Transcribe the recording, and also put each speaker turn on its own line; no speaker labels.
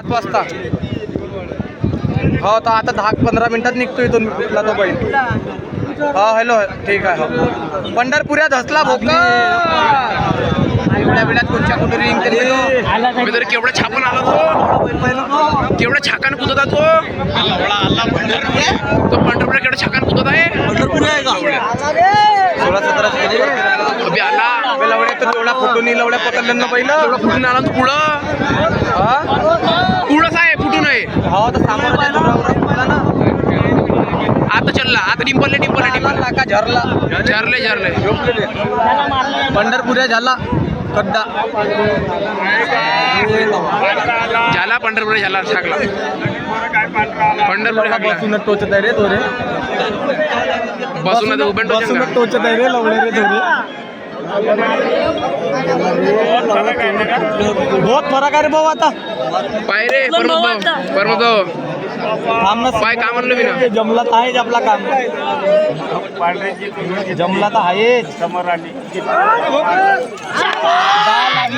7 वाजता हो तर आता 10-15 मिनिटात निघतो इथून कुठला तो बैल हा हॅलो ठीक आहे हो पंढरपुऱ्यात धसला भोका एवढ्या वेळात कोणच्या कुठे रिंग केली तर केवढा छापून आला तो केवढा छाकान कुदत आहे तो पंढरपूर केवढा छाकान कुदत आहे 16-17 अभि आला लवड्या तर तेवढा फुटून लवड्या पकडलं पहिलं तेवढा फुटून आला तो पुढं पुढंच आहे फुटून आहे हो तर सामोर ना आता चलला आता डिंपल का झरले पंढरपुऱ्या झाला कड्डा झाला पंढरपूर झाला छाकला पंढरपूर बसून टोचत आहे रे तो रे बसून टोचत आहे रे लवडे रे थोडे बहुत फरक आहे रे भाऊ आता पाय रे परमत पाय का म्हणलं मी ना जमला तर आहेच आपला काम जमला तर आहेच समोर आली